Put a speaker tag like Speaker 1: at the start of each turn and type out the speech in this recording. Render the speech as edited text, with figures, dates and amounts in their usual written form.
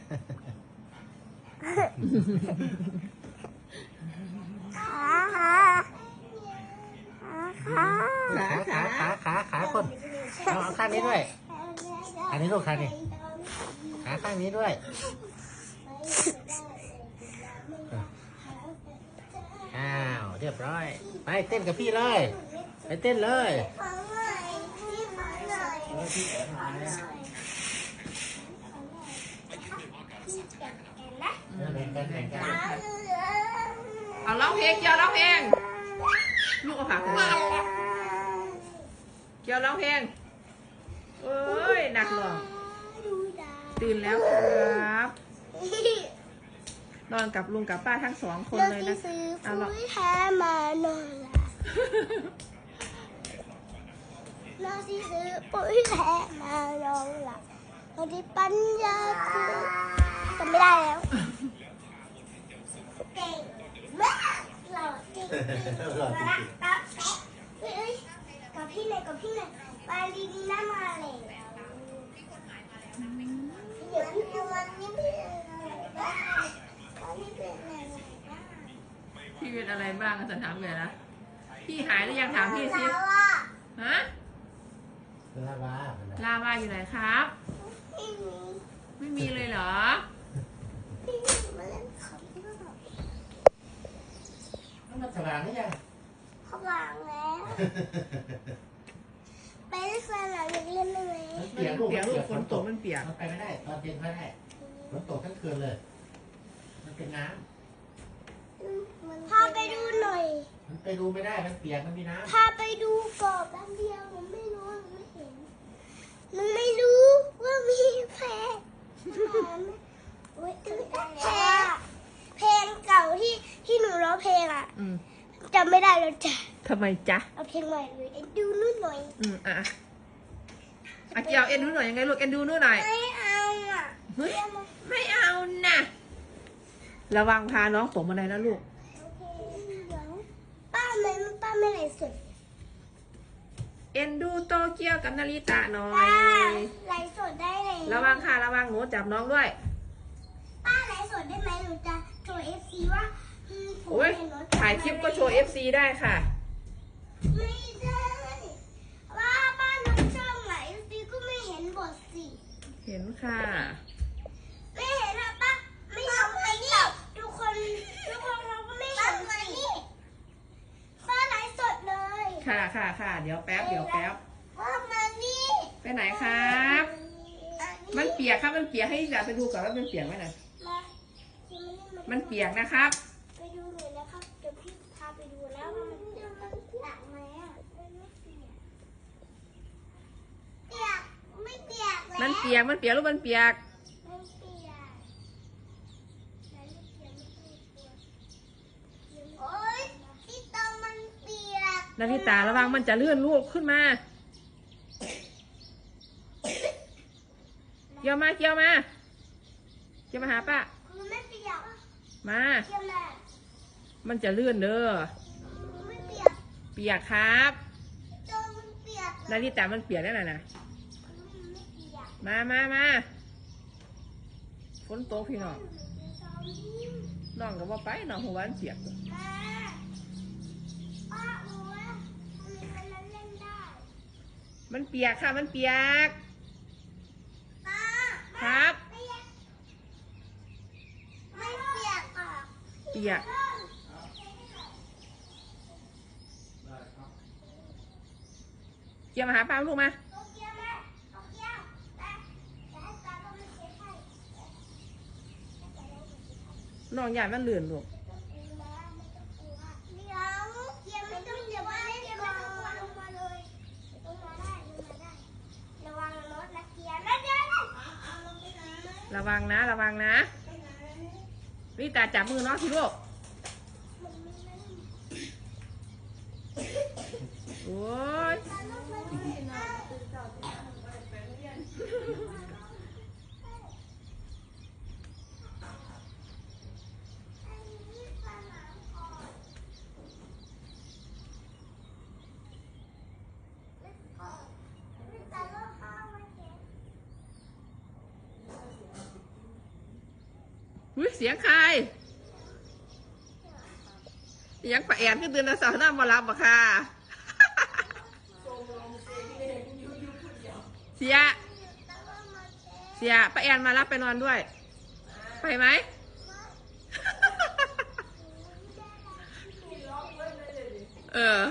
Speaker 1: ขาคนเอาข้างนี้ด้วยอันนี้ลูกขานี่ขาข้างนี้ด้วยอ้าวเรียบร้อยไปเต้นกับพี่เลยไปเต้นเลย
Speaker 2: เอาร้องเพลงเกี่ยวร้องเพลงลูกเอาขาขึ้นมาเกี่ยวร้องเพลงเอ้ยหนักหรอตื่นแล้วครับนอนกับลุงกับป้าทั้ง2 คนเลยนะเอาหรอ
Speaker 3: แท้มานอนเราที่ซื้อปุ๋ยแท้มานอนหลับเราที่ปัญญาคือจำไม่ได้แล้วเก่งมากหล่อจริงกับพี่หน่อยปาลีนีน่ามาเลยเดี๋ยวพี่วันนี้
Speaker 2: พี่เป็นอะไรบ้างจะถามเลยนะพี่หายหรือยังถามพี่สิฮะ
Speaker 1: ลาว
Speaker 2: าอยู่ไหนครับไม่มีเลยเหรอ
Speaker 1: มันสว่างหรือยัง
Speaker 3: เขาวางแล้วไปเล่นสนามเล่นได้ไหม
Speaker 2: เปียกลูกฝนตกมันเปียก
Speaker 1: ไปไม่ได้ตอนเย็นไม่ได้ฝนตกทั้งคืนเลยมันเป็นน้ำ
Speaker 3: พาไปดูหน่อย
Speaker 1: มันไปดูไม่ได้มันเปียกมันมีน้ำ
Speaker 3: พาไปดูก่อนแป๊บเดียวผมไม่รู้ไม่เห็นมันไม่รู้ว่ามีแพงเพลงเก่าที่หนูร้องเพลงอ่ะจำไม่ได้แล้วจ้ะ
Speaker 2: ทำไมจ๊ะ
Speaker 3: เอาเพลงใหม่เลยเอ็นดูนู่นหน่อย
Speaker 2: เกี่ยวเอ็นดูหน่อยยังไงลูกเอ็นดูนู่นหน่อย
Speaker 3: ไม่เอาอ่ะ
Speaker 2: ไม่เอานะระวังพาน้องตกมาเลยนะลูก
Speaker 3: ป้าไม่ไหลสด
Speaker 2: เอ็นดูโตเกียวกับนาริตะหน่อย
Speaker 3: ไหลสดได้เลย
Speaker 2: ระวังค่ะระวังหนูจับน้องด้วย
Speaker 3: ป้าไหลสดได้ไหมหนูจะโชว์ FC ว่า
Speaker 2: โอ้ยถ่ายคลิปก็โชว์ FC ได้ค่ะ
Speaker 3: ไม่ได้ว่าป้าน้องช่องไหล FC ก็ไม่เห็นบทสิ
Speaker 2: เห็นค่ะ
Speaker 3: ไม่เห็นนะป้าไม่ทำไมนี่ทุกคนเขาก็ไม่เห็นนี่ป้าไหลสดเลย
Speaker 2: ค่ะเดี๋ยวแป๊บ
Speaker 3: ป้ามานี่
Speaker 2: ไปไหนครับมันเปียกครับมันเปียกให้อยากไปดูก่อนว่ามันเปียกไหมนะมันเปียกนะครับ
Speaker 3: ไปดูหน่อยนะครับเดี๋ยวพี่พาไปดูแล้วว่ามันเปียกไหมอ่ะไม่เปียกแล้ว
Speaker 2: มันเปียกลูกมันเปียก
Speaker 3: โอ๊ยที่ตรงมันเปียก
Speaker 2: นาริตาระวังมันจะเลื่อนลูกขึ้นมาเกี่ยวมาหาป้า
Speaker 3: ไม่เปียก
Speaker 2: มามันจะเลื่อนเด้อ
Speaker 3: ไม่เ
Speaker 2: ปียกครับ
Speaker 3: เปียก
Speaker 2: นาริตามันเปียกได้นะมาฝนตกพี่น้องก็ว่าไปน้องหัวมันเปียกมันเปียกค่ะมันเปียกครับ
Speaker 3: ไม่เปียกอ่ะ
Speaker 2: เปียกเกี่ยวมาหาป้าลูกมาน้องใหญ่มันเลื่อนลูกระวังนะนี่ตาจับมือน้องสิลูกโอ้ยอุ้ยเสียงใครเสียงป้าแอนขึ้นเตือนนะสาวหน้ามารับบ่ค่ะเสียป้าแอนมารับไปนอนด้วยไปไหมเออ